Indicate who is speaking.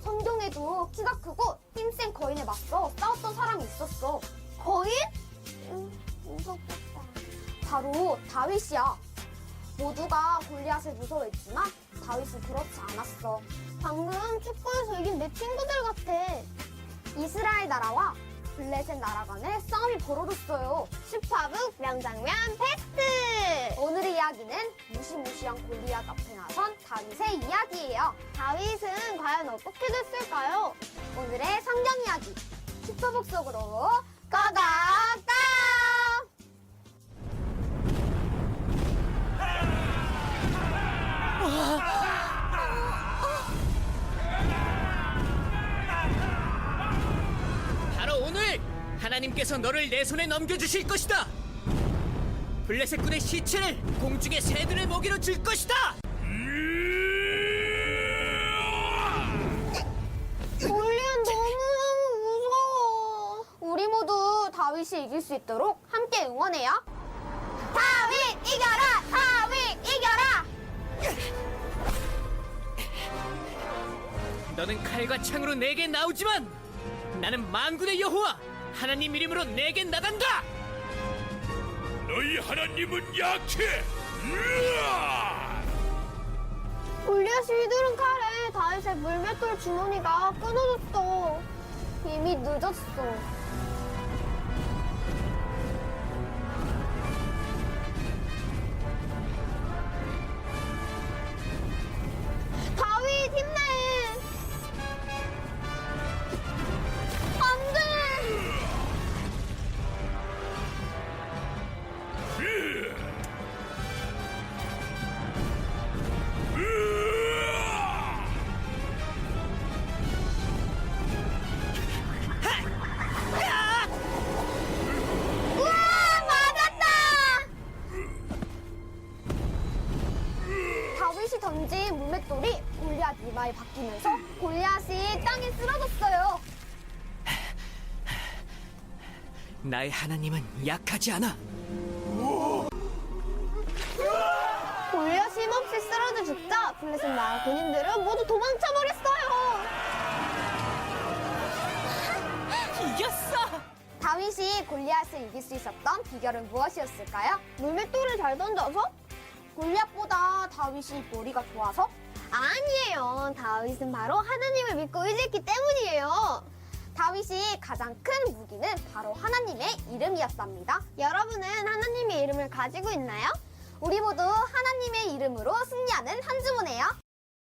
Speaker 1: 성경에도 키가 크고 힘센 거인에 맞서 싸웠던 사람이 있었어. 거인? 무섭겠다. 바로 다윗이야. 모두가 골리앗을 무서워했지만 다윗은 그렇지 않았어. 방금 축구에서 이긴 내 친구들 같아. 이스라엘 나라와 블레셋 나라 간에 싸움이 벌어졌어요. 슈퍼북 명장면 베스트! 오늘의 이야기는 무시무시한 골리앗 앞에 나선 다윗의 이야기예요. 다윗은 과연 어떻게 됐을까요? 오늘의 성경 이야기 슈퍼북 속으로 고고고!
Speaker 2: 바로 오늘 하나님께서 너를 내 손에 넘겨주실 것이다. 블레셋 군의 시체를 공중의 새들의 먹이로 줄 것이다.
Speaker 1: 골리앗 너무너무 무서워. 우리 모두 다윗이 이길 수 있도록 함께 응원해요. 다윗 이겨라! 다윗 이겨라!
Speaker 2: 너는 칼과 창으로 내게 나오지만 나는 만군의 여호와 하나님 이름으로 내게 나간다.
Speaker 3: 너희 하나님은 약해. 으아!
Speaker 1: 골리앗이 휘두른 칼에 다윗의 물맷돌 주머니가 끊어졌어. 이미 늦었어. 다윗 힘내! 안 돼!
Speaker 3: 으아!
Speaker 1: 우와! 맞았다! 다윗이 던진 물맷돌이 골리앗 이마에 박히면서 골리앗이 땅에 쓰러졌어요.
Speaker 2: 나의 하나님은 약하지 않아.
Speaker 1: 골리앗이 힘없이 쓰러져 죽자 블레셋 나라 군인들은 모두 도망쳐버렸어요.
Speaker 2: 이겼어.
Speaker 1: 다윗이 골리앗을 이길 수 있었던 비결은 무엇이었을까요? 물맷돌을 잘 던져서? 골리앗보다 다윗이 머리가 좋아서? 아니에요. 다윗은 바로 하나님을 믿고 의지했기 때문이에요. 다윗이 가장 큰 무기는 바로 하나님의 이름이었답니다. 여러분은 하나님의 이름을 가지고 있나요? 우리 모두 하나님의 이름으로 승리하는 한 주 보내요.